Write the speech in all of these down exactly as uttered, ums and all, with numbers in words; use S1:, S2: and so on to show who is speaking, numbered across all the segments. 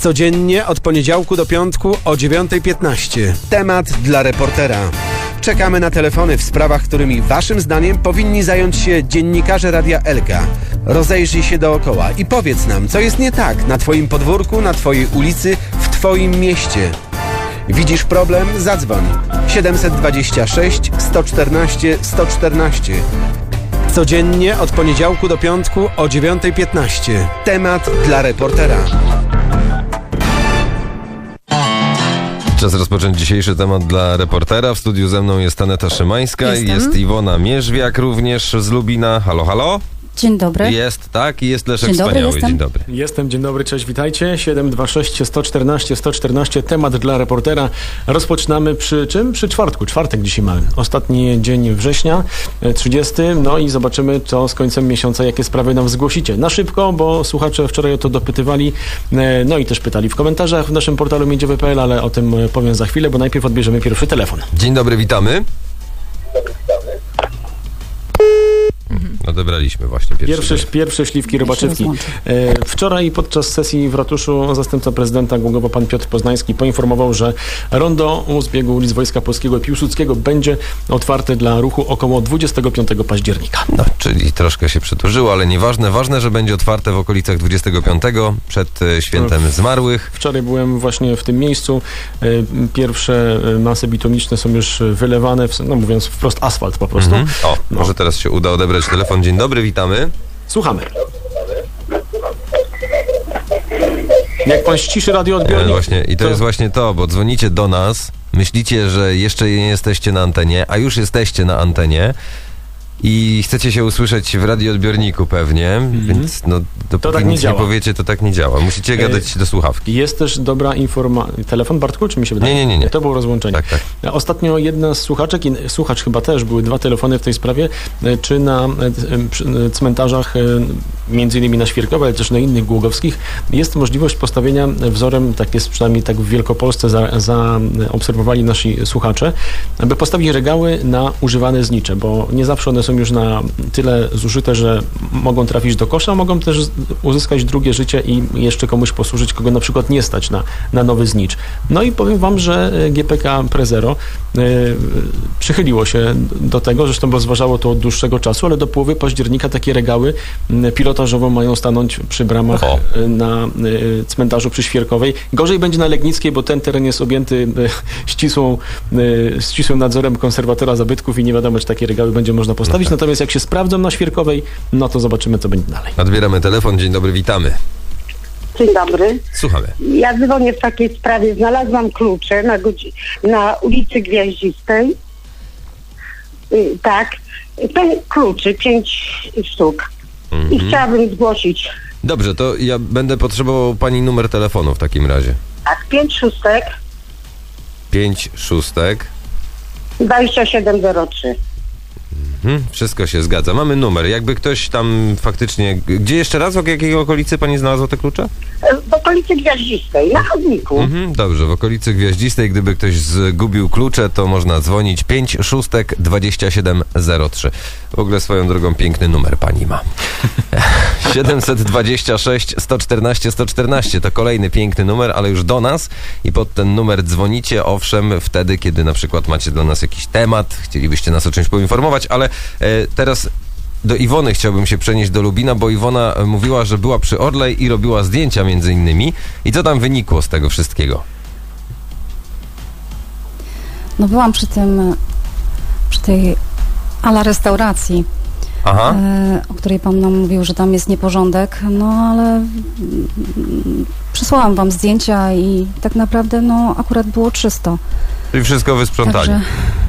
S1: Codziennie od poniedziałku do piątku o dziewiąta piętnaście. Temat dla reportera. Czekamy na telefony w sprawach, którymi waszym zdaniem powinni zająć się dziennikarze Radia Elka. Rozejrzyj się dookoła i powiedz nam, co jest nie tak na twoim podwórku, na twojej ulicy, w twoim mieście. Widzisz problem? Zadzwoń. siedem dwa sześć, sto czternaście, sto czternaście. Codziennie od poniedziałku do piątku o dziewiąta piętnaście. Temat dla reportera.
S2: Czas rozpocząć dzisiejszy temat dla reportera. W studiu ze mną jest Aneta Szymańska,
S3: Jestem.
S2: Jest Iwona Mierzwiak również z Lubina. Halo, halo?
S3: Dzień dobry.
S2: Jest, tak? I jest Leszek
S3: Dzień dobry,
S2: Wspaniały.
S3: jestem.
S2: Dzień dobry.
S4: Jestem, dzień dobry, cześć, witajcie. siedem dwa sześć, sto czternaście, sto czternaście. Temat dla reportera. Rozpoczynamy przy czym? Przy czwartku. Czwartek dzisiaj mamy. Ostatni dzień września, trzydziesty. No i zobaczymy, co z końcem miesiąca, jakie sprawy nam zgłosicie. Na szybko, bo słuchacze wczoraj o to dopytywali. No i też pytali w komentarzach w naszym portalu miedziowy kropka p l, ale o tym powiem za chwilę, bo najpierw odbierzemy pierwszy telefon.
S2: Dzień dobry, witamy. Odebraliśmy właśnie pierwszy.
S4: Pierwsze, pierwsze śliwki robaczywki. E, wczoraj podczas sesji w ratuszu zastępca prezydenta Głogowa pan Piotr Poznański poinformował, że rondo u zbiegu ulic Wojska Polskiego i Piłsudskiego będzie otwarte dla ruchu około dwudziestego piątego października.
S2: No, czyli troszkę się przedłużyło, ale nieważne. Ważne, że będzie otwarte w okolicach dwudziestego piątego przed e, świętem zmarłych.
S4: Wczoraj byłem właśnie w tym miejscu. E, pierwsze masy bitumiczne są już wylewane, w, no mówiąc wprost asfalt po prostu.
S2: Mhm. O, no. Może teraz się uda odebrać telefon. Dzień dobry, witamy.
S4: Słuchamy. Jak pan ściszy radioodbiornik...
S2: E, właśnie, i to, to jest właśnie to, bo dzwonicie do nas, myślicie, że jeszcze nie jesteście na antenie, a już jesteście na antenie i chcecie się usłyszeć w radioodbiorniku pewnie, mm-hmm. więc no, dopóki
S4: tak nie
S2: nic
S4: działa.
S2: nie powiecie, to tak nie działa. Musicie gadać do słuchawki.
S4: Jest też dobra informacja... Telefon, Bartku, czy mi się wydaje?
S2: Nie, nie, nie. nie.
S4: To było rozłączenie.
S2: Tak, tak.
S4: Ostatnio jedna z słuchaczek, i słuchacz chyba też, były dwa telefony w tej sprawie, czy na cmentarzach, między innymi na Świerkowej, ale też na innych głogowskich, jest możliwość postawienia wzorem, tak jest przynajmniej tak w Wielkopolsce zaobserwowali za nasi słuchacze, aby postawić regały na używane znicze, bo nie zawsze one są już na tyle zużyte, że mogą trafić do kosza, mogą też uzyskać drugie życie i jeszcze komuś posłużyć, kogo na przykład nie stać na, na nowy znicz. No i powiem wam, że G P K Prezero y, przychyliło się do tego, zresztą rozważało to od dłuższego czasu, ale do połowy października takie regały y, pilotażowo mają stanąć przy bramach y, na y, cmentarzu przy Świerkowej. Gorzej będzie na Legnickiej, bo ten teren jest objęty y, ścisłą, y, ścisłym nadzorem konserwatora zabytków i nie wiadomo, czy takie regały będzie można postawić. Okay. Natomiast jak się sprawdzą na Świerkowej, no to zobaczymy, co będzie dalej.
S2: Odbieramy telefon. Dzień dobry, witamy.
S5: Dzień dobry.
S2: Słuchamy.
S5: Ja dzwonię w takiej sprawie. Znalazłam klucze na, godzi- na ulicy Gwiaździstej. Yy, tak. Te kluczy, pięć sztuk. Mm-hmm. I chciałabym zgłosić.
S2: Dobrze, to ja będę potrzebował pani numer telefonu w takim razie.
S5: Tak, pięć szóstek.
S2: Pięć szóstek.
S5: dwadzieścia siedem zero trzy.
S2: Hmm, wszystko się zgadza. Mamy numer. Jakby ktoś tam faktycznie... Gdzie jeszcze raz? W jakiej okolicy pani znalazła te klucze?
S5: W okolicy Gwiaździstej, na chodniku.
S2: Mhm, dobrze, w okolicy Gwiaździstej, gdyby ktoś zgubił klucze, to można dzwonić pięć szóstek dwadzieścia siedem zero trzy. W ogóle swoją drogą piękny numer pani ma. siedem dwa sześć, sto czternaście, sto czternaście to kolejny piękny numer, ale już do nas i pod ten numer dzwonicie, owszem, wtedy, kiedy na przykład macie dla nas jakiś temat, chcielibyście nas o czymś poinformować, ale e, teraz do Iwony chciałbym się przenieść do Lubina, bo Iwona mówiła, że była przy Orlej i robiła zdjęcia między innymi. I co tam wynikło z tego wszystkiego?
S3: No byłam przy tym, przy tej ala restauracji,
S2: Aha.
S3: e, o której pan nam mówił, że tam jest nieporządek, no ale mm, przysłałam wam zdjęcia i tak naprawdę no akurat było czysto.
S2: Czyli wszystko wysprzątali.
S3: Także,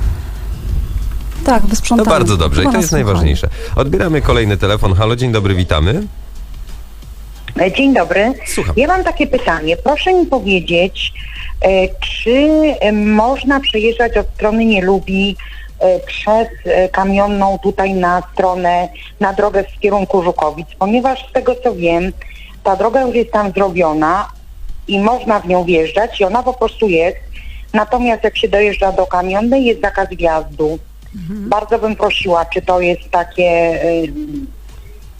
S3: tak, wysprzątali.
S2: To bardzo dobrze i to jest
S3: słuchali.
S2: najważniejsze. Odbieramy kolejny telefon. Halo, dzień dobry, witamy.
S6: Dzień dobry.
S2: Słucham.
S6: Ja mam takie pytanie. Proszę mi powiedzieć, e, czy e, można przejeżdżać od strony Nielubi e, przez e, Kamionną tutaj na stronę, na drogę w kierunku Żukowic, ponieważ z tego co wiem, ta droga już jest tam zrobiona i można w nią wjeżdżać i ona po prostu jest. Natomiast jak się dojeżdża do Kamionnej, jest zakaz wjazdu. Mhm. Bardzo bym prosiła, czy to jest takie... Y,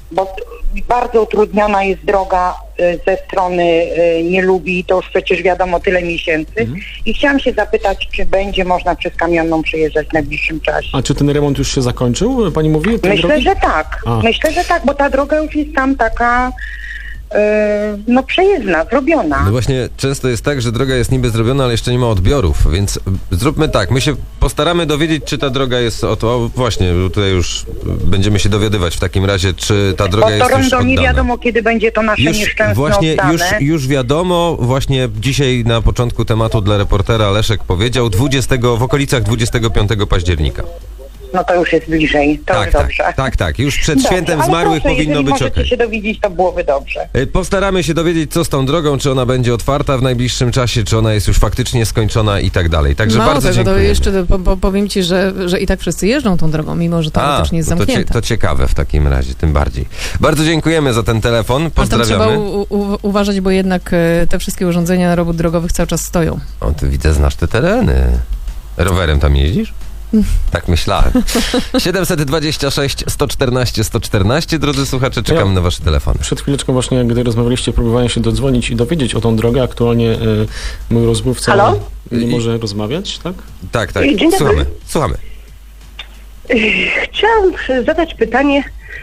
S6: bo t- bardzo utrudniona jest droga y, ze strony y, nie lubi, to już przecież wiadomo tyle miesięcy.
S4: Mhm.
S6: I chciałam się zapytać, czy będzie można przez Kamionną przejeżdżać w najbliższym czasie.
S4: A czy ten remont już się zakończył, pani mówi? tej
S6: Myślę,
S4: drogi?
S6: że tak.
S4: A.
S6: Myślę, że tak, bo ta droga już jest tam taka y, no przejezdna, zrobiona.
S2: No właśnie, często jest tak, że droga jest niby zrobiona, ale jeszcze nie ma odbiorów, więc zróbmy tak, my się postaramy dowiedzieć, czy ta droga jest, o to właśnie, tutaj już będziemy się dowiadywać w takim razie, czy ta droga
S6: Bo to
S2: jest już
S6: rondo
S2: oddana.
S6: nie wiadomo, kiedy będzie to nasze
S2: Już
S6: nieszczęsne
S2: właśnie,
S6: oddane.
S2: już, już wiadomo, właśnie dzisiaj na początku tematu dla reportera Leszek powiedział, dwudziestego w okolicach dwudziestego piątego października.
S6: No to już jest bliżej, to
S2: Tak,
S6: już
S2: tak,
S6: dobrze.
S2: tak, tak, już przed
S6: Dobrze,
S2: świętem
S6: ale
S2: zmarłych
S6: proszę,
S2: powinno
S6: jeżeli
S2: być
S6: możecie
S2: okej.
S6: się dowiedzieć, to byłoby dobrze.
S2: Y, Postaramy się dowiedzieć, co z tą drogą, czy ona będzie otwarta w najbliższym czasie, czy ona jest już faktycznie skończona i tak dalej. Także
S7: Mało
S2: bardzo
S7: tego, to
S2: dziękuję.
S7: jeszcze po, po, powiem ci, że, że i tak wszyscy jeżdżą tą drogą, mimo że teoretycznie jest
S2: to, cie,
S7: zamknięta.
S2: to ciekawe w takim razie, tym bardziej. Bardzo dziękujemy za ten telefon,
S7: Ale tam trzeba
S2: pozdrawiamy.
S7: u, u, uważać, bo jednak e, te wszystkie urządzenia robót drogowych cały czas stoją.
S2: O, ty widzę, znasz te tereny. Rowerem tam jeździsz? Tak myślałem. siedemset dwadzieścia sześć sto czternaście sto czternaście, drodzy słuchacze, czekamy
S4: Ja-
S2: na wasze telefony.
S4: Przed chwileczką właśnie, gdy rozmawialiście, próbowałem się dodzwonić i dowiedzieć o tą drogę. Aktualnie y, mój rozmówca
S5: Halo?
S4: nie
S2: I-
S4: może rozmawiać, tak?
S2: Tak, tak,
S5: Dzień dobry.
S2: słuchamy, słuchamy.
S5: Chciałam zadać pytanie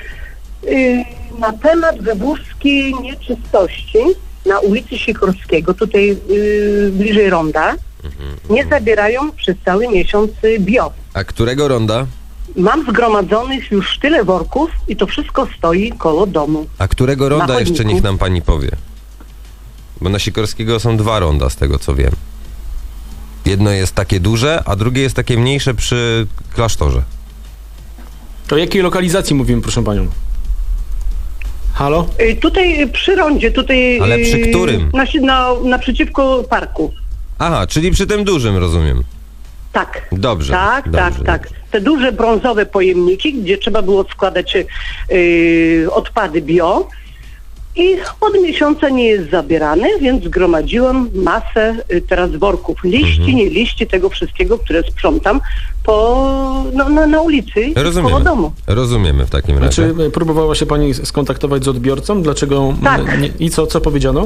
S5: y, na temat wywózki nieczystości na ulicy Sikorskiego, tutaj y, bliżej ronda. Nie zabierają przez cały miesiąc y, bio.
S2: A którego ronda?
S5: Mam zgromadzonych już tyle worków i to wszystko stoi koło domu.
S2: A którego ronda
S5: Na
S2: jeszcze
S5: chodniku.
S2: niech nam pani powie? Bo na Sikorskiego są dwa ronda, z tego co wiem. Jedno jest takie duże, a drugie jest takie mniejsze przy klasztorze.
S4: O jakiej lokalizacji mówimy, proszę panią? Halo?
S5: Y, tutaj y, przy rondzie, tutaj...
S2: Ale przy
S5: y,
S2: którym?
S5: Na, na, naprzeciwko parku.
S2: Aha, czyli przy tym dużym, rozumiem.
S5: Tak.
S2: Dobrze.
S5: Tak,
S2: dobrze,
S5: tak, tak. Te duże brązowe pojemniki, gdzie trzeba było składać yy, odpady bio i od miesiąca nie jest zabierany, więc zgromadziłam masę y, teraz worków. Liści,
S2: Mhm.
S5: nie liści, tego wszystkiego, które sprzątam po, no, na, na ulicy koło
S2: Rozumiemy.
S5: domu.
S2: Rozumiemy w takim razie.
S4: Czy y, próbowała się pani skontaktować z odbiorcą? Dlaczego? m,
S5: Tak.
S4: Nie, I co, co powiedziano?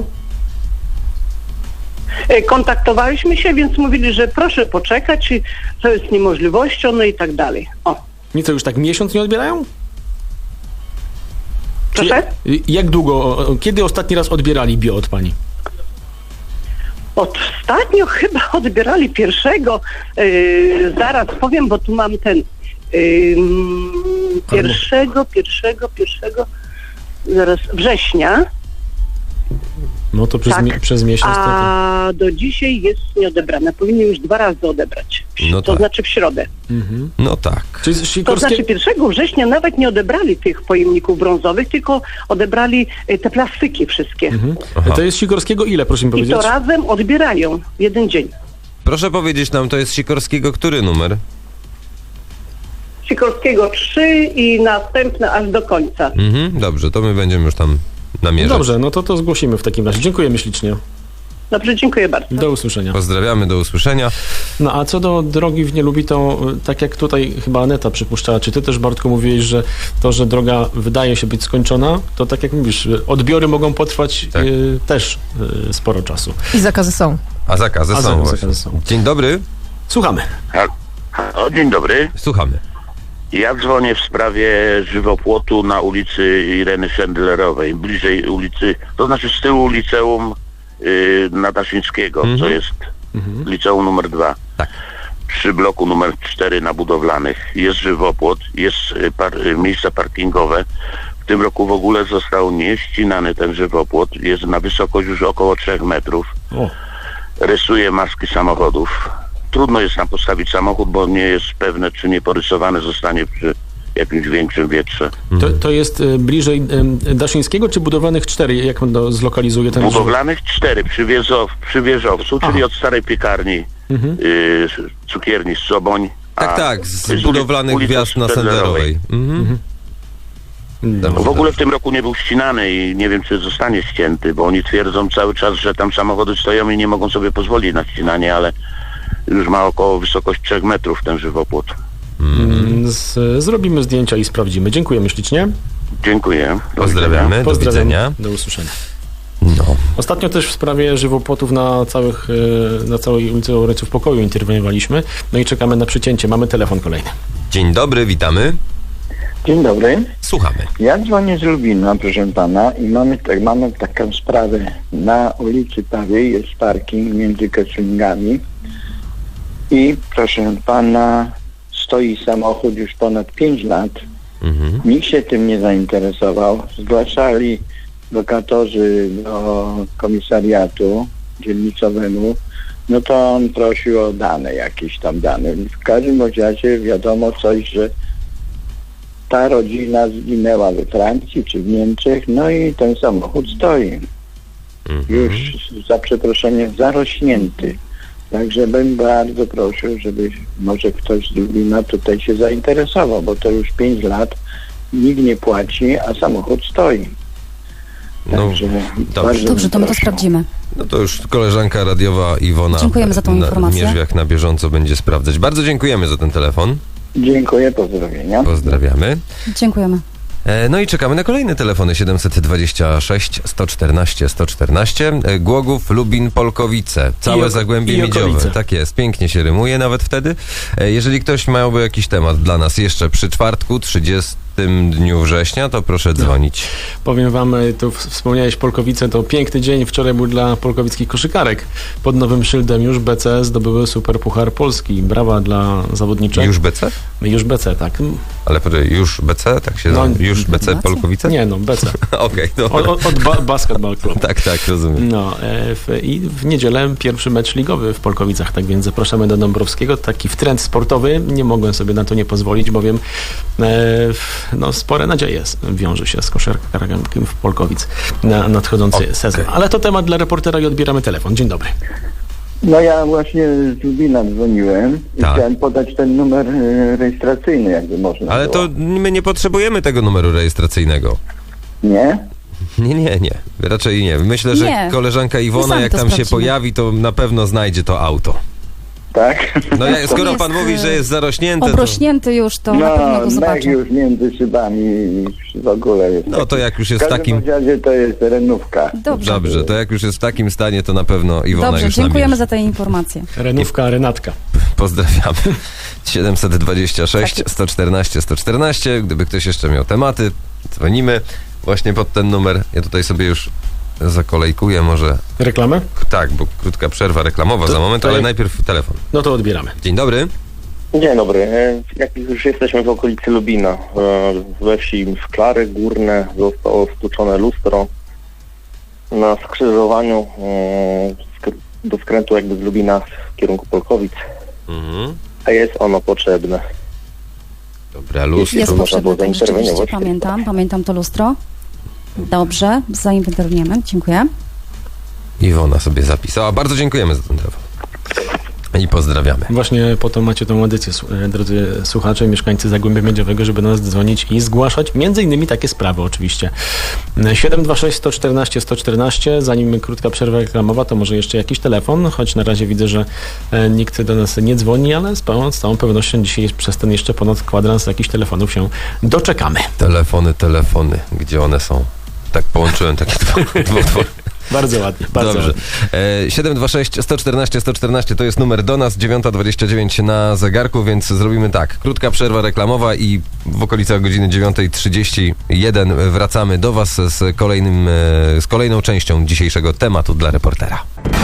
S5: Y, Kontaktowaliśmy się, więc mówili, że proszę poczekać, i to jest niemożliwością, no i tak dalej. O,
S4: Nic, już tak miesiąc nie odbierają? Czy,
S5: proszę?
S4: y, jak długo, o- kiedy ostatni raz odbierali bio od pani?
S5: Ostatnio chyba odbierali pierwszego, yy, zaraz powiem, bo tu mam ten yy, pierwszego, pierwszego, pierwszego, zaraz września,
S4: No to przez,
S5: Tak.
S4: mi, przez miesiąc. To, to...
S5: a do dzisiaj jest nieodebrane. Powinni już dwa razy odebrać,
S2: No
S5: to
S2: tak.
S5: znaczy w środę.
S4: Mhm.
S2: No tak.
S4: Czy z
S5: To
S4: Sikorskie...
S5: znaczy pierwszego września nawet nie odebrali tych pojemników brązowych, tylko odebrali y, te plastyki wszystkie.
S4: Mhm.
S2: Aha.
S4: To jest Sikorskiego ile, proszę mi
S5: I
S4: powiedzieć?
S5: to razem odbierają w jeden dzień.
S2: Proszę powiedzieć nam, to jest Sikorskiego który numer?
S5: Sikorskiego trzy i następne aż do końca.
S2: Mhm, dobrze, to my będziemy już tam namierzać.
S4: Dobrze, no to to zgłosimy w takim razie. Dziękujemy ślicznie.
S5: Dobrze, dziękuję bardzo.
S4: Do usłyszenia.
S2: Pozdrawiamy, do usłyszenia.
S4: No a co do drogi w Nielubi, to y, tak jak tutaj chyba Aneta przypuszczała, czy ty też, Bartku, mówiłeś, że to, że droga wydaje się być skończona, to tak jak mówisz, y, odbiory mogą potrwać
S2: Tak.
S4: y, też y, sporo czasu.
S7: I zakazy są.
S2: A zakazy
S4: A
S2: są
S4: zakazy
S2: właśnie.
S4: są.
S2: Dzień dobry,
S4: Słuchamy.
S8: O, dzień dobry.
S2: słuchamy.
S8: Ja dzwonię w sprawie żywopłotu na ulicy Ireny Szendlerowej, bliżej ulicy, to znaczy z tyłu liceum y, Nadaszyńskiego,
S2: Mhm.
S8: co jest liceum numer dwa.
S2: Tak.
S8: Przy bloku numer cztery na Budowlanych jest żywopłot, jest y, par, y, miejsca parkingowe. W tym roku w ogóle został nieścinany ten żywopłot, jest na wysokość już około trzech metrów.
S4: O,
S8: Rysuje maski samochodów. Trudno jest tam postawić samochód, bo nie jest pewne, czy nie porysowane zostanie przy jakimś większym wietrze.
S4: to, to jest y, bliżej y, Daszyńskiego czy Budowlanych cztery? Jak on to zlokalizuje ten żywopłot?
S8: Budowlanych cztery przy, Wiezow, przy Wieżowcu, czyli
S4: Aha.
S8: od starej piekarni,
S4: Mhm.
S8: y, cukierni z Soboń.
S2: Tak,
S8: a
S2: tak, z
S8: uli-
S2: budowlanych
S8: ulica
S2: wjazd na
S8: Sztedlerowej.
S2: Senderowej. Mhm. Dobrze,
S8: W ogóle w
S2: dobrze.
S8: tym roku nie był ścinany i nie wiem, czy zostanie ścięty, bo oni twierdzą cały czas, że tam samochody stoją i nie mogą sobie pozwolić na ścinanie, ale już ma około wysokość trzech metrów ten żywopłot.
S4: Mm, Z, zrobimy zdjęcia i sprawdzimy. Dziękujemy ślicznie.
S8: Dziękuję. Do
S2: Pozdrawiamy, do
S4: Pozdrawiam.
S2: widzenia.
S4: Do usłyszenia.
S2: No.
S4: Ostatnio też w sprawie żywopłotów na, całych, e, na całej ulicy Obrońców Pokoju interweniowaliśmy. No i czekamy na przycięcie. Mamy telefon kolejny.
S2: Dzień dobry, witamy.
S9: Dzień dobry.
S2: Słuchamy.
S9: Ja dzwonię z Lubina, proszę pana, i mamy, tak, mamy taką sprawę. Na ulicy Pawiej jest parking między Kesslingami i proszę pana, stoi samochód już ponad pięć lat.
S2: Mhm.
S9: Nikt się tym nie zainteresował. Zgłaszali lokatorzy do komisariatu dzielnicowemu, no to on prosił o dane, jakieś tam dane. W każdym razie wiadomo coś, że ta rodzina zginęła we Francji czy w Niemczech, no i ten samochód stoi.
S2: Mhm.
S9: Już za przeproszeniem zarośnięty. Także bym bardzo prosił, żeby może ktoś z Lublina tutaj się zainteresował, bo to już pięć lat nikt nie płaci, a samochód stoi.
S2: No,
S9: Także
S2: dobrze.
S9: bardzo
S3: Dobrze,
S9: bym
S3: to my to
S9: prosił.
S3: sprawdzimy.
S2: No to już koleżanka radiowa Iwona
S3: Dziękujemy za tą
S2: na-
S3: informację.
S2: Mierzwiak na bieżąco będzie sprawdzać. Bardzo dziękujemy za ten telefon.
S9: Dziękuję, pozdrowienia.
S2: Pozdrawiamy.
S3: Dziękujemy.
S2: E, No i czekamy na kolejne telefony siedemset dwadzieścia sześć, sto czternaście, sto czternaście. E, Głogów, Lubin, Polkowice. Całe
S4: I oko-
S2: Zagłębie
S4: i
S2: Miedziowe.
S4: okolice.
S2: Tak jest, pięknie się rymuje nawet wtedy. E, Jeżeli ktoś miałby jakiś temat dla nas jeszcze przy czwartku, trzydziestym dniu września, to proszę dzwonić.
S4: Powiem wam, y, tu w- wspomniałeś Polkowice, to piękny dzień wczoraj był dla polkowickich koszykarek. Pod nowym szyldem już B C zdobyły Super Puchar Polski. Brawa dla zawodniczek.
S2: Już B C?
S4: Już B C, tak.
S2: Ale poczekaj, już B C? Tak się
S4: No,
S2: nazywa? Już B C
S3: gratulacje.
S2: Polkowice?
S4: Nie no, B C.
S2: Okej,
S4: Od,
S2: dobra.
S4: od, od ba- Basketball Club.
S2: Tak, tak, rozumiem.
S4: No e, w, i w niedzielę pierwszy mecz ligowy w Polkowicach, tak więc zapraszamy do Dąbrowskiego. Taki w trend sportowy, nie mogłem sobie na to nie pozwolić, bowiem e, w- no, spore nadzieje wiąże się z koszarkiem w Polkowic na nadchodzący
S2: Okej.
S4: sezon. Ale to temat dla reportera i odbieramy telefon. Dzień dobry.
S9: No ja właśnie z Lubina dzwoniłem i
S2: Tak.
S9: chciałem podać ten numer e, rejestracyjny, jakby można
S2: Ale
S9: było.
S2: to my nie potrzebujemy tego numeru rejestracyjnego.
S9: Nie?
S2: Nie, nie, nie. Raczej nie. Myślę, że
S3: Nie.
S2: koleżanka
S3: My
S2: Iwona,
S3: sami
S2: jak
S3: to
S2: tam się
S3: sprawdzimy.
S2: pojawi, to na pewno znajdzie to auto.
S9: Tak?
S2: No ja, skoro
S3: jest,
S2: pan mówi, że jest zarośnięte, to,
S3: Obrośnięty już, to na pewno
S9: No,
S3: go
S9: mech
S3: zobaczę.
S9: już między szybami i w ogóle jest.
S2: no to jak już jest
S9: w
S2: w
S9: każdym
S2: takim...
S9: razie to jest renówka.
S3: Dobrze.
S2: Dobrze, to jak już jest w takim stanie, to na pewno Iwona
S3: Dobrze,
S2: już
S3: dziękujemy
S2: nabierze.
S3: za te informacje.
S4: Renówka, Renatka.
S2: Pozdrawiamy. siedemset dwadzieścia sześć,
S3: Tak jest.
S2: sto czternaście, sto czternaście. Gdyby ktoś jeszcze miał tematy, dzwonimy właśnie pod ten numer. Ja tutaj sobie już zakolejkuję może...
S4: Reklamę?
S2: Tak, bo krótka przerwa reklamowa
S4: To-
S2: za moment,
S4: to
S2: ale
S4: jak-
S2: najpierw telefon.
S4: No to odbieramy.
S2: Dzień dobry.
S10: Dzień dobry. E, Jak już jesteśmy w okolicy Lubina, e, we wsi Szklary Górne zostało stłuczone lustro na skrzyżowaniu e, sk- do skrętu jakby z Lubina w kierunku Polkowic,
S2: Mhm.
S10: a jest ono potrzebne.
S2: Dobra, lustro.
S3: Jest
S10: można
S3: potrzebne,
S10: było
S3: tak, rzeczywiście
S10: zainterweniować.
S3: pamiętam, pamiętam to lustro. Dobrze, zainterweniujemy, dziękuję.
S2: Iwona sobie zapisała. Bardzo dziękujemy za ten telefon. I pozdrawiamy.
S4: Właśnie po to macie tą edycję, su- e, drodzy słuchacze, mieszkańcy Zagłębia Miedziowego, żeby do nas dzwonić i zgłaszać między innymi takie sprawy oczywiście. E, siedem dwa sześć, sto czternaście, sto czternaście. Zanim krótka przerwa reklamowa, to może jeszcze jakiś telefon, choć na razie widzę, że e, nikt do nas nie dzwoni, ale z, pełną, z całą pewnością dzisiaj przez ten jeszcze ponad kwadrans jakichś telefonów się doczekamy.
S2: Telefony, telefony. Gdzie one są? Tak połączyłem takie dwa, dwa, dwa.
S4: Bardzo ładnie, bardzo
S2: Dobrze.
S4: ładnie.
S2: E, siedem dwa sześć, sto czternaście, sto czternaście to jest numer do nas, dziewiąta dwadzieścia dziewięć na zegarku, więc zrobimy tak. Krótka przerwa reklamowa i w okolicach godziny dziewiąta trzydzieści jeden wracamy do was z kolejnym, e, z kolejną częścią dzisiejszego tematu dla reportera.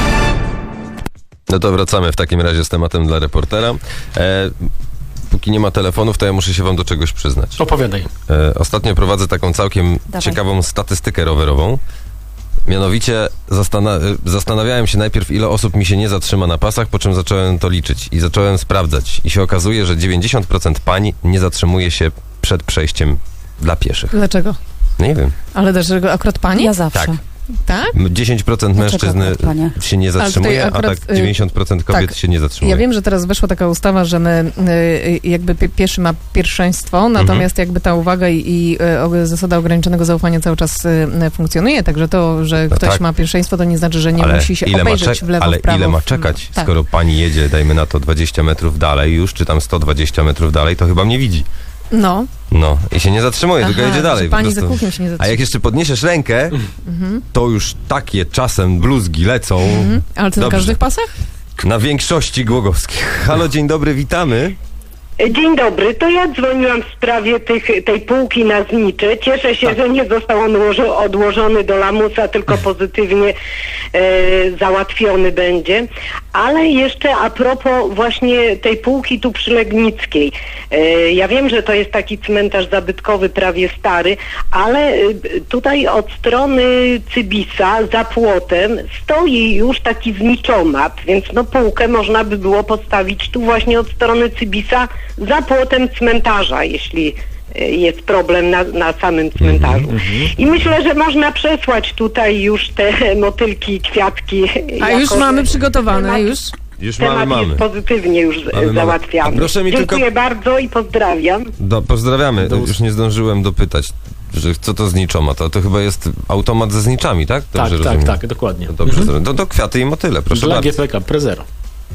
S2: No to wracamy w takim razie z tematem dla reportera. E, póki nie ma telefonów, to ja muszę się wam do czegoś przyznać.
S4: Opowiadaj.
S2: E, ostatnio prowadzę taką całkiem
S3: Dawaj.
S2: ciekawą statystykę rowerową. Mianowicie zastana- zastanawiałem się najpierw, ile osób mi się nie zatrzyma na pasach, po czym zacząłem to liczyć i zacząłem sprawdzać. I się okazuje, że dziewięćdziesiąt procent pań nie zatrzymuje się przed przejściem dla pieszych.
S7: Dlaczego?
S2: Nie wiem.
S7: Ale dlaczego akurat pani?
S3: Ja zawsze.
S2: Tak.
S7: Tak?
S2: dziesięć procent
S3: Dlaczego
S2: mężczyzn
S3: akurat panie?
S2: się nie
S7: tutaj
S2: zatrzymuje, a
S7: akurat,
S2: tak
S7: y,
S2: dziewięćdziesiąt procent kobiet
S7: tak.
S2: się nie zatrzymuje.
S7: Ja wiem, że teraz weszła taka ustawa, że my y, jakby pie- pieszy ma pierwszeństwo, natomiast jakby ta uwaga i, i y, o- zasada ograniczonego zaufania cały czas y, funkcjonuje, także to, że
S2: No
S7: ktoś
S2: tak.
S7: ma pierwszeństwo, to nie znaczy, że nie
S2: ale
S7: musi się
S2: ile ma
S7: obejrzeć
S2: czek-
S7: w lewo,
S2: Ale
S7: w prawo.
S2: ile ma
S7: w-
S2: czekać,
S7: tak.
S2: skoro pani jedzie, dajmy na to dwadzieścia metrów dalej już, czy tam sto dwadzieścia metrów dalej, to chyba mnie widzi.
S7: No.
S2: No i się nie zatrzymuje,
S7: Aha,
S2: tylko jedzie dalej.
S7: że
S2: po
S7: pani
S2: prostu.
S7: za kuchnią się nie zatrzyma.
S2: A jak jeszcze podniesiesz rękę,
S7: Mhm.
S2: to już takie czasem bluzgi lecą.
S7: Mhm. Ale to na
S2: Dobrze.
S7: każdych pasach?
S2: Na większości głogowskich. Halo, dzień dobry, witamy.
S11: Dzień dobry, to ja dzwoniłam w sprawie tych, tej półki na znicze. Cieszę się, że nie został on ułożo- odłożony do lamusa, tylko pozytywnie e, załatwiony będzie. Ale jeszcze a propos właśnie tej półki tu przy Legnickiej. E, ja wiem, że to jest taki cmentarz zabytkowy, prawie stary, ale e, tutaj od strony Cybisa za płotem stoi już taki zniczomat, więc no półkę można by było postawić tu właśnie od strony Cybisa za płotem cmentarza, jeśli e, jest problem na, na samym cmentarzu. I myślę, że można przesłać tutaj już te motylki, kwiatki.
S7: A
S11: jako,
S7: już
S11: że
S7: mamy przygotowane,
S11: temat,
S7: już?
S2: Już
S11: temat
S2: mamy, mamy.
S11: jest pozytywnie już
S2: Mamy, mamy.
S11: załatwiany.
S2: A proszę mi
S11: Dziękuję
S2: tylko-
S11: bardzo i pozdrawiam.
S2: Do, pozdrawiamy.
S4: Do us-
S2: Już nie zdążyłem dopytać, że co to zniczomat. To, to chyba jest automat ze zniczami, tak?
S4: Tak,
S2: Dobrze
S4: tak,
S2: rozumiem?
S4: tak, dokładnie.
S2: To dobrze, mhm. to, to kwiaty i motyle, proszę
S4: Dla
S2: bardzo.
S4: G P K Prezero.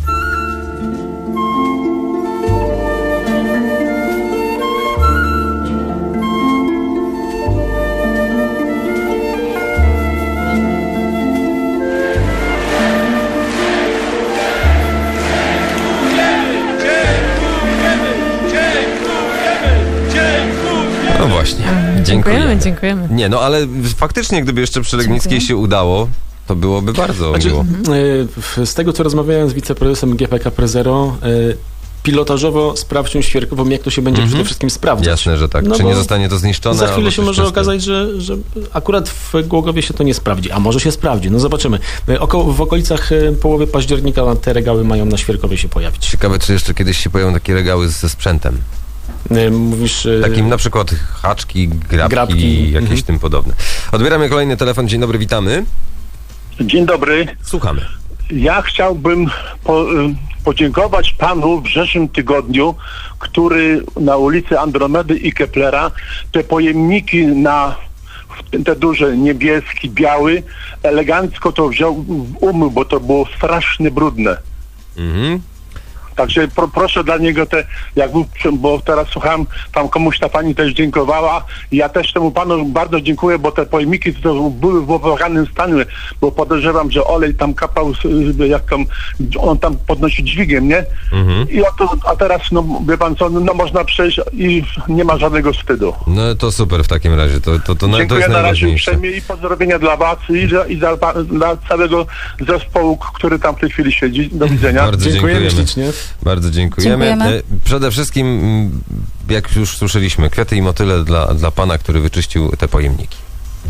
S2: No właśnie.
S7: Dziękujemy,
S2: Dziękujemy.
S7: dziękujemy.
S2: Nie, no ale faktycznie, gdyby jeszcze przy Legnickiej
S7: Dziękuję.
S2: się udało, to byłoby bardzo
S4: Znaczy,
S2: miło.
S4: y, w- z tego, co rozmawiałem z wiceprezesem G P K Prezero, y, pilotażowo sprawdźmy świerkową, jak to się będzie
S2: Mhm.
S4: przede wszystkim sprawdzać.
S2: Jasne, że tak.
S4: No
S2: Czy
S4: bo
S2: nie zostanie to zniszczone?
S4: Za chwilę
S2: albo
S4: się
S2: coś
S4: może
S2: w tym stylu.
S4: okazać, że, że akurat w Głogowie się to nie sprawdzi, a może się sprawdzi. No zobaczymy. Y, Około, w okolicach y, połowy października te regały mają na Świerkowie się pojawić.
S2: Ciekawe, czy jeszcze kiedyś się pojawią takie regały ze sprzętem.
S4: Y, Mówisz... y,
S2: Takim na przykład haczki, grabki,
S4: Grabki,
S2: jakieś
S4: mhm.
S2: tym podobne. Odbieramy kolejny telefon. Dzień dobry, witamy.
S12: Dzień dobry.
S2: Słuchamy.
S12: Ja chciałbym po, y, podziękować panu w zeszłym tygodniu, który na ulicy Andromedy i Keplera te pojemniki na te duże, niebieski, biały, elegancko to wziął w umył, bo to było strasznie brudne.
S2: Mhm.
S12: Także pro, proszę dla niego te, jak był, bo teraz słucham, tam komuś ta pani też dziękowała i ja też temu panu bardzo dziękuję, bo te pojemniki to były w opłakanym stanie, bo podejrzewam, że olej tam kapał, z- jak tam, on tam podnosi dźwigiem, nie?
S2: Mhm.
S12: I a, to, a teraz, no wie pan co, no można przejść i nie ma żadnego wstydu.
S2: No to super w takim razie. To, to, to, to
S12: Dziękuję
S2: jest
S12: na razie
S2: najważniejsze.
S12: uprzejmie i pozdrowienia dla was i, za, i za, dla całego zespołu, który tam w tej chwili siedzi. Do widzenia.
S2: Bardzo
S4: Dziękujemy
S2: dziękujemy.
S4: ślicznie.
S2: Bardzo dziękujemy.
S3: Dziękujemy.
S2: E, Przede wszystkim, mm, jak już słyszeliśmy, kwiaty i motyle dla, dla pana, który wyczyścił te pojemniki.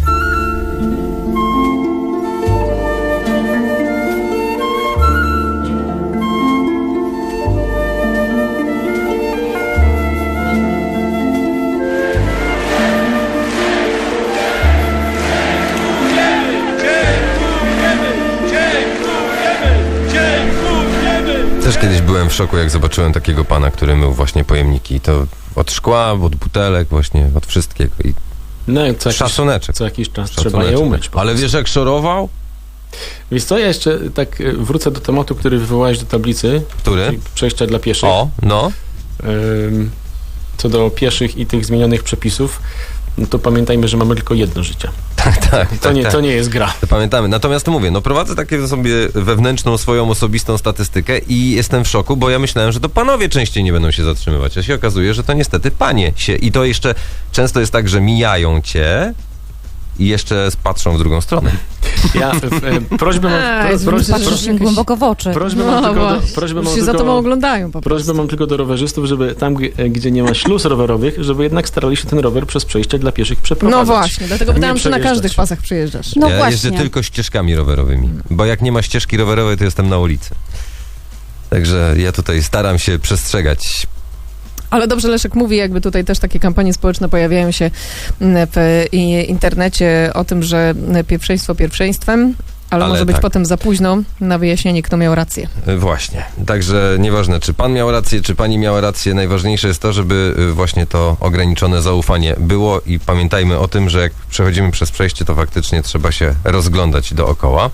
S2: Też kiedyś byłem w szoku, jak zobaczyłem takiego pana, który mył właśnie pojemniki. To od szkła, od butelek, właśnie od wszystkiego. I
S4: No i co jakiś,
S2: szacuneczek.
S4: co jakiś czas trzeba
S2: Szacuneczek.
S4: je umyć. po
S2: Ale
S4: prostu.
S2: wiesz, jak szorował?
S4: Wiesz co, ja jeszcze tak y, wrócę do tematu, który wywołałeś do tablicy,
S2: Który?
S4: czyli przejścia dla pieszych.
S2: O, no.
S4: Ym, Co do pieszych i tych zmienionych przepisów, no to pamiętajmy, że mamy tylko jedno życie.
S2: Tak, tak.
S4: To,
S2: tak,
S4: nie,
S2: tak.
S4: to nie jest gra.
S2: To pamiętamy. Natomiast mówię, no prowadzę takie sobie wewnętrzną, swoją osobistą statystykę i jestem w szoku, bo ja myślałem, że to panowie częściej nie będą się zatrzymywać, a się okazuje, że to niestety panie się. I to jeszcze często jest tak, że mijają cię i jeszcze patrzą w drugą stronę.
S4: Ja e, e, prośbę mam,
S7: A,
S4: pro,
S7: jest
S4: pro,
S7: myślę, że
S4: pro,
S3: Patrzysz im głęboko w oczy.
S4: prośbę
S7: No
S4: mam tylko do,
S7: właśnie.
S4: prośbę
S7: Już
S4: mam
S7: się za
S4: tylko,
S7: tobą oglądają po
S4: prośbę
S7: prostu.
S4: mam tylko do rowerzystów, żeby tam, g- gdzie nie ma śluz rowerowych, żeby jednak starali się ten rower przez przejście dla pieszych przeprowadzać.
S7: No właśnie, dlatego
S4: a nie
S7: pytałam, czy na
S4: przejeżdżać.
S7: każdych pasach przyjeżdżasz.
S3: No
S2: ja
S3: właśnie.
S2: jeżdżę tylko ścieżkami rowerowymi, bo jak nie ma ścieżki rowerowej, to jestem na ulicy. Także ja tutaj staram się przestrzegać.
S7: Ale dobrze Leszek mówi, jakby tutaj też takie kampanie społeczne pojawiają się mm, w i- internecie o tym, że pierwszeństwo pierwszeństwem, ale,
S2: Ale
S7: może być
S2: tak.
S7: potem za późno na wyjaśnienie, kto miał rację.
S2: Y, Właśnie. Także nieważne, czy pan miał rację, czy pani miała rację, najważniejsze jest to, żeby y, właśnie to ograniczone zaufanie było i pamiętajmy o tym, że jak przechodzimy przez przejście, to faktycznie trzeba się rozglądać dookoła.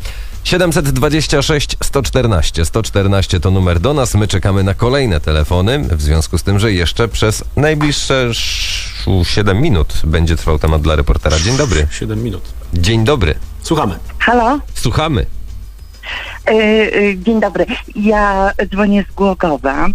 S2: siedemset dwadzieścia sześć sto czternaście sto czternaście to numer do nas. My czekamy na kolejne telefony, w związku z tym, że jeszcze przez najbliższe siedem minut będzie trwał temat dla reportera. Dzień dobry.
S4: siedem minut.
S2: Dzień dobry.
S4: Słuchamy.
S6: Halo?
S2: Słuchamy.
S6: E, e, dzień dobry. Ja dzwonię z Głogowa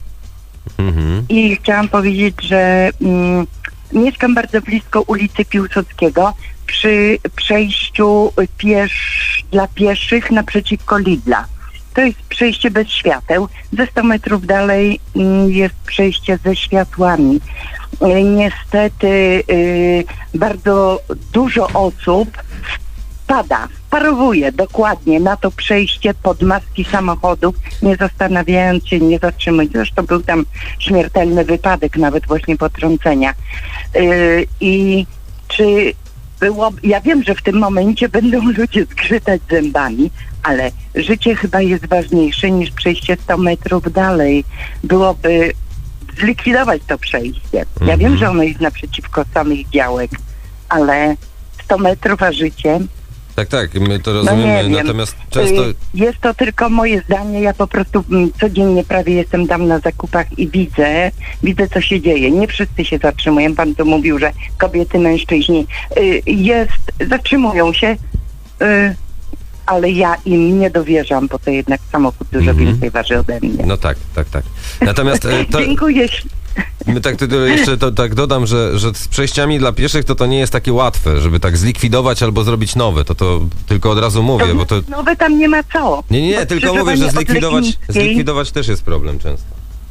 S2: Mhm.
S6: i chciałam powiedzieć, że mm, mieszkam bardzo blisko ulicy Piłsudskiego przy przejściu piesz, dla pieszych naprzeciwko Lidla. To jest przejście bez świateł. Ze sto metrów dalej mm, jest przejście ze światłami. E, niestety e, bardzo dużo osób pada, parowuje dokładnie na to przejście pod maski samochodów, nie zastanawiając się, nie zatrzymując. Zresztą był tam śmiertelny wypadek, nawet właśnie potrącenia. Yy, I czy było... Ja wiem, że w tym momencie będą ludzie zgrzytać zębami, ale życie chyba jest ważniejsze niż przejście sto metrów dalej. Byłoby zlikwidować to przejście. Ja wiem, że ono jest naprzeciwko samych działek, ale sto metrów, a życie...
S2: Tak, tak, my to
S6: No
S2: rozumiemy,
S6: nie wiem.
S2: natomiast często...
S6: Y, Jest to tylko moje zdanie. Ja po prostu mm, codziennie prawie jestem tam na zakupach i widzę, widzę co się dzieje. Nie wszyscy się zatrzymują. Pan tu mówił, że kobiety, mężczyźni y, jest, zatrzymują się, y, ale ja im nie dowierzam, bo to jednak samochód dużo
S2: Mhm.
S6: więcej waży ode mnie.
S2: No tak, tak, tak. Natomiast e, to,
S6: Dziękuję.
S2: my tak to jeszcze to, tak dodam, że, że z przejściami dla pieszych to to nie jest takie łatwe, żeby tak zlikwidować albo zrobić nowe. To to tylko od razu mówię, bo to...
S6: Nowe tam nie ma co.
S2: Nie, nie, nie,
S6: Bo
S2: tylko mówię, że
S6: skrzyżowanie od
S2: zlikwidować,
S6: Legnickiej-
S2: zlikwidować też jest problem często.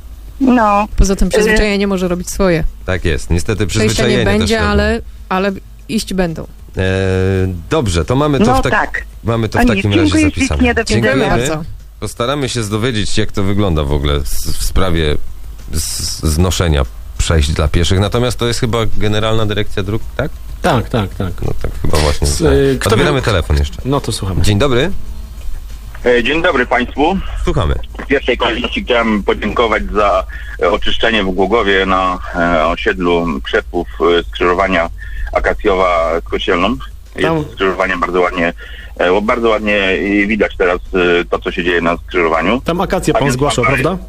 S6: No.
S7: Poza tym przyzwyczajenie może robić swoje.
S2: Tak jest, niestety
S7: Przejścia
S2: przyzwyczajenie
S7: nie będzie,
S2: też robią.
S7: ale, ale iść będą.
S2: E, dobrze, to mamy to,
S6: No
S2: w, tak,
S6: tak.
S2: mamy to
S6: O
S2: w
S6: nie,
S2: takim
S6: dziękuję
S2: razie
S6: ślicznie,
S2: zapisane.
S6: do widzenia.
S7: Dziękuję bardzo.
S2: Postaramy się dowiedzieć, jak to wygląda w ogóle z, w sprawie z, znoszenia przejść dla pieszych. Natomiast to jest chyba Generalna Dyrekcja Dróg, tak?
S4: Tak, tak, tak.
S2: No tak chyba właśnie.
S4: Z,
S2: tak.
S4: y, kto
S2: Odbieramy
S4: miał-
S2: telefon jeszcze.
S4: No to słuchamy.
S2: Dzień dobry.
S13: E, Dzień dobry Państwu.
S2: Słuchamy.
S13: W pierwszej kolejności chciałem podziękować za e, oczyszczenie w Głogowie na e, osiedlu Krzepów e, skrzyżowania Akacjowa z Kościelną.
S4: Tam-
S13: Jest skrzyżowanie bardzo ładnie, e, bardzo ładnie e, widać teraz e, to, co się dzieje na skrzyżowaniu.
S4: Tam akację
S13: A
S4: pan
S13: więc
S4: zgłaszał,
S13: pan-
S4: prawda?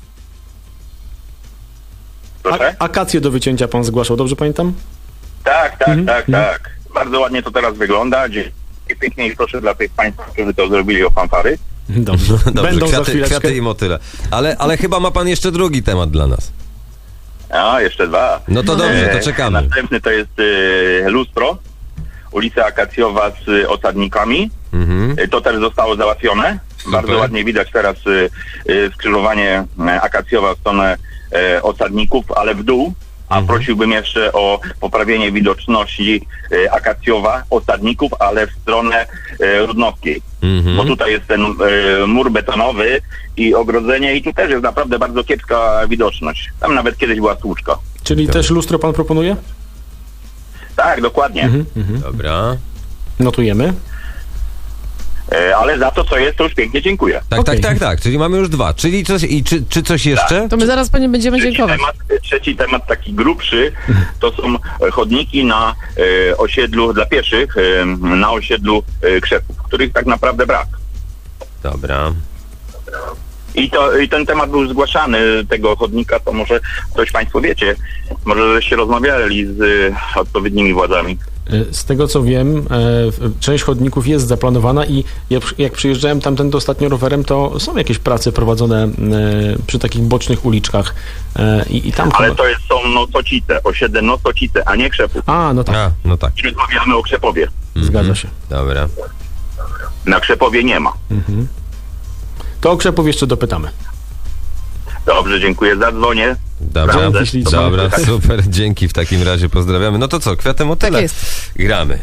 S13: Proszę?
S4: A, akację do wycięcia pan zgłaszał, dobrze pamiętam?
S13: Tak, tak,
S4: Mhm,
S13: tak,
S4: mhm.
S13: tak. Bardzo ładnie to teraz wygląda. Dziękuję pięknie i proszę dla tych Państwa, którzy to zrobili, o fanfary.
S4: Dobrze.
S2: Dobrze,
S4: Będą za
S2: kwiaty,
S4: chwileczkę.
S2: kwiaty i motyle. Ale, ale chyba ma pan jeszcze drugi temat dla nas.
S13: A, jeszcze dwa.
S2: No to dobrze, to
S13: E,
S2: czekamy.
S13: Następny to jest e, lustro, ulica Akacjowa z e, osadnikami.
S2: Mhm.
S13: E, To też zostało załatwione. Bardzo ładnie widać teraz e, e, skrzyżowanie e, Akacjowa w stronę e, osadników, ale w dół. A
S2: Mhm.
S13: prosiłbym jeszcze o poprawienie widoczności e, Akacjowa, osadników, ale w stronę e, Rudnowskiej.
S2: Mhm.
S13: Bo tutaj jest ten e, mur betonowy i ogrodzenie i tu też jest naprawdę bardzo kiepska widoczność. Tam nawet kiedyś była słuczka.
S4: Czyli też lustro pan proponuje?
S13: Tak, dokładnie.
S4: Mhm, mhm.
S2: Dobra.
S4: Notujemy.
S13: E, ale za to, co jest, to już pięknie dziękuję.
S2: Tak,
S4: Okej.
S2: tak, tak, tak. Czyli mamy już dwa. Czyli coś, i czy, czy coś jeszcze?
S7: To my zaraz pani będziemy
S13: Trzeci
S7: dziękować.
S13: temat, trzeci temat, taki grubszy, to są e, chodniki na e, osiedlu dla pieszych, e, na osiedlu e, Krzepów, których tak naprawdę brak.
S2: Dobra.
S13: I, to, I ten temat był zgłaszany, tego chodnika, to może coś Państwo wiecie, może żeście rozmawiali z e, odpowiednimi władzami.
S4: E, Z tego co wiem, e, w- część chodników jest zaplanowana i jak, jak przyjeżdżałem tamtędy ostatnio rowerem, to są jakieś prace prowadzone e, przy takich bocznych uliczkach e, i, i tam
S13: Ale
S4: chyba...
S13: to jest, są Nosocice, osiedle Nosocice, a nie Krzepów.
S4: A, no tak,
S2: A, no tak.
S13: I rozmawiamy o Krzepowie.
S4: zgadza się.
S2: Dobra.
S13: Na Krzepowie nie ma.
S4: Mhm. To o Krzepów jeszcze dopytamy.
S13: Dobrze, dziękuję, zadzwonię.
S2: Dobra,
S4: Dzięki ślicznie.
S2: dobra, super, dzięki w takim razie, pozdrawiamy. No to co, kwiatem o tyle.
S7: Tak jest.
S2: Gramy.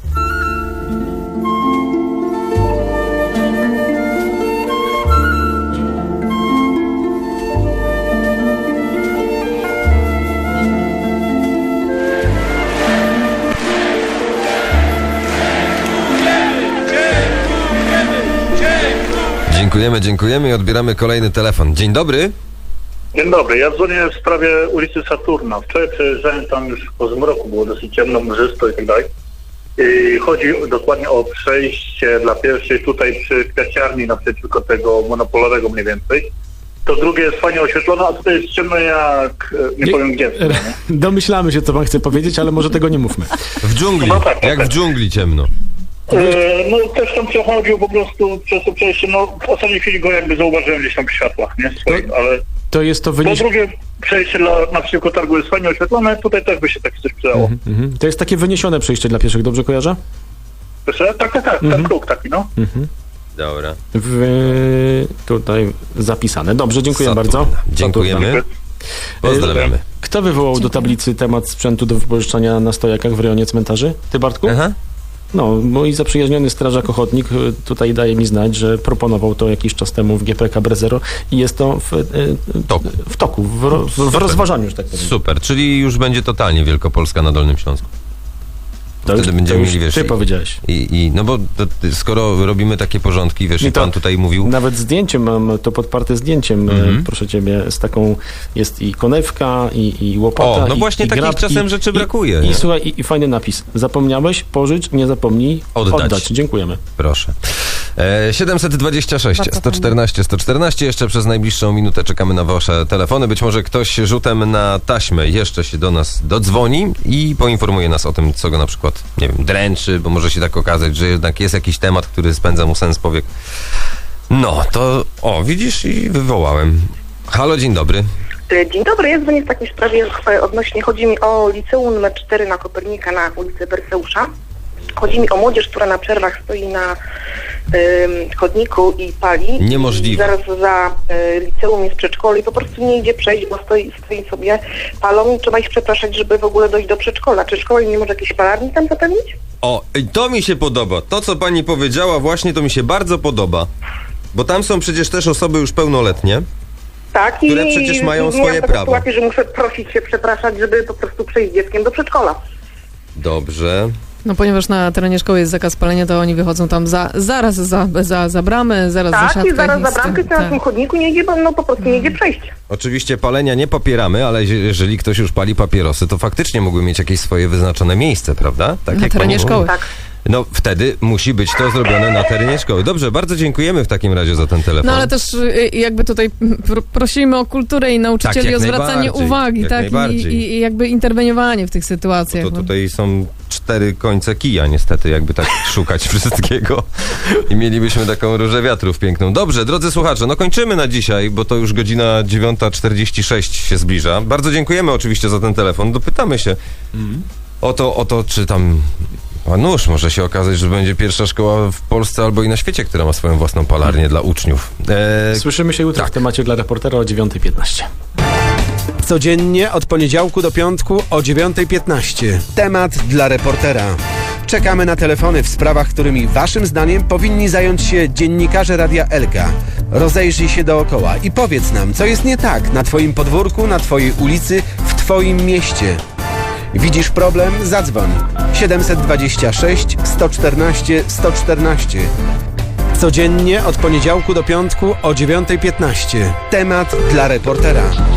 S2: Dziękujemy, dziękujemy i odbieramy kolejny telefon. Dzień dobry.
S14: Dzień dobry, ja dzwonię w sprawie ulicy Saturna. Wczoraj przejeżdżałem tam już po zmroku, było dosyć ciemno, mrzysto i tak dalej. Yy, chodzi dokładnie o przejście dla pieszych tutaj przy kwiaciarni naprzeciwko tego monopolowego mniej więcej. To drugie jest fajnie oświetlone, a tutaj jest ciemno jak, nie, nie powiem gdzie. Nie?
S4: Domyślamy się, co pan chce powiedzieć, ale może tego nie mówmy.
S2: W dżungli,
S14: No tak,
S2: jak
S14: tak.
S2: w dżungli ciemno.
S14: Yy, no też tam przechodził po prostu przez to przejście, no w ostatniej chwili go jakby zauważyłem gdzieś tam w światłach, nie? Swoim, ale...
S4: To jest to
S14: Po
S4: wyniesione.
S14: drugie przejście dla naprzeciwko targu jest fajnie oświetlone, tutaj też by się takie coś przydało.
S4: Mhm, mhm. To jest takie wyniesione przejście dla pieszych, dobrze kojarzę?
S14: Proszę? Tak, tak, tak,
S4: Mhm.
S14: ten próg taki, no.
S4: Mhm.
S2: Dobra.
S4: W, tutaj zapisane. Dobrze, dziękuję
S2: Saturn.
S4: bardzo.
S2: Dziękujemy.
S4: Saturn.
S2: Pozdrawiamy.
S4: Kto wywołał do tablicy temat sprzętu do wypożyczania na stojakach w rejonie cmentarzy? Ty, Bartku?
S2: Aha.
S4: No, mój zaprzyjaźniony strażak ochotnik y, tutaj daje mi znać, że proponował to jakiś czas temu w G P K Brezero i jest to w, y,
S2: toku.
S4: w toku, w, ro, w, w rozważaniu, że tak powiem.
S2: Super, czyli już będzie totalnie Wielkopolska na Dolnym Śląsku.
S4: To
S2: Wtedy
S4: już-
S2: będziemy
S4: to już
S2: mieli, wiesz...
S4: ty
S2: i-
S4: powiedziałeś.
S2: I, i, no bo to, ty- skoro robimy takie porządki, wiesz, i,
S4: I to
S2: pan tutaj mówił...
S4: Nawet zdjęciem mam to podparte zdjęciem,
S2: Mhm.
S4: e, proszę ciebie, z taką, jest i konewka, i, i łopata,
S2: O, no
S4: i,
S2: właśnie
S4: i
S2: takich
S4: grab,
S2: czasem
S4: i,
S2: rzeczy
S4: i,
S2: brakuje,
S4: I,
S2: nie?
S4: i słuchaj, i, i fajny napis. Zapomniałeś, pożycz, nie zapomnij
S2: Oddać.
S4: oddać. Dziękujemy.
S2: Proszę. E, siedemset dwadzieścia sześć,
S3: Bardzo
S2: sto czternaście, sto czternaście. Jeszcze przez najbliższą minutę czekamy na wasze telefony. Być może ktoś rzutem na taśmę jeszcze się do nas dodzwoni i poinformuje nas o tym, co go na przykład, nie wiem, dręczy, bo może się tak okazać, że jednak jest jakiś temat, który spędza mu sens powiek. No, to... O, widzisz, i wywołałem. Halo, dzień dobry.
S15: Dzień dobry, ja dzwonię w takiej sprawie e, odnośnie, chodzi mi o liceum numer cztery na Kopernika na ulicy Berseusza. Chodzi mi o młodzież, która na przerwach stoi na ym, chodniku i pali.
S2: Niemożliwe.
S15: I zaraz za y, liceum jest przedszkole i po prostu nie idzie przejść, bo stoi, stoi sobie, palą i trzeba ich przepraszać, żeby w ogóle dojść do przedszkola. Czy szkoła nie może jakiejś palarni tam zapewnić?
S2: O, i to mi się podoba. To, co pani powiedziała, właśnie to mi się bardzo podoba. Bo tam są przecież też osoby już pełnoletnie.
S15: Tak,
S2: Które
S15: i
S2: przecież mają
S15: i
S2: swoje
S15: miałam taką
S2: prawa.
S15: sytuację, że muszę prosić się, przepraszać, żeby po prostu przejść z dzieckiem do przedszkola.
S2: Dobrze.
S7: No ponieważ na terenie szkoły jest zakaz palenia, to oni wychodzą tam za, zaraz za, za, za bramę, zaraz za
S15: Tak,
S7: siatkę.
S15: i zaraz za
S7: z tym-
S15: bramkę, na
S7: tak.
S15: tym chodniku nie idzie, bo no po prostu nie idzie przejść.
S2: Oczywiście palenia nie popieramy, ale je- jeżeli ktoś już pali papierosy, to faktycznie mógłby mieć jakieś swoje wyznaczone miejsce, prawda? Tak
S7: Na
S2: jak
S7: terenie
S2: pani mówi.
S7: szkoły.
S15: Tak.
S2: No wtedy musi być to zrobione na terenie szkoły. Dobrze, bardzo dziękujemy w takim razie za ten telefon.
S7: No ale też y, jakby tutaj pr- prosimy o kulturę i nauczycieli
S2: Tak, jak
S7: o zwracanie
S2: najbardziej,
S7: uwagi,
S2: jak
S7: tak? I,
S2: najbardziej.
S7: i, I jakby interweniowanie w tych sytuacjach.
S2: To
S7: no.
S2: tutaj są cztery końce kija niestety, jakby tak szukać wszystkiego. I mielibyśmy taką różę wiatrów piękną. Dobrze, drodzy słuchacze, no kończymy na dzisiaj, bo to już godzina dziewiąta czterdzieści sześć się zbliża. Bardzo dziękujemy oczywiście za ten telefon. Dopytamy się o to, o to, czy tam... A nuż, może się okazać, że będzie pierwsza szkoła w Polsce albo i na świecie, która ma swoją własną palarnię dla uczniów. E,
S4: Słyszymy się jutro
S2: tak.
S4: w temacie dla reportera o dziewiąta piętnaście.
S1: Codziennie od poniedziałku do piątku o dziewiąta piętnaście. Temat dla reportera. Czekamy na telefony w sprawach, którymi waszym zdaniem powinni zająć się dziennikarze Radia Elka. Rozejrzyj się dookoła i powiedz nam, co jest nie tak na twoim podwórku, na twojej ulicy, w twoim mieście. Widzisz problem? Zadzwoń. siedemset dwadzieścia sześć, sto czternaście, sto czternaście. Codziennie od poniedziałku do piątku o dziewiąta piętnaście. Temat dla reportera.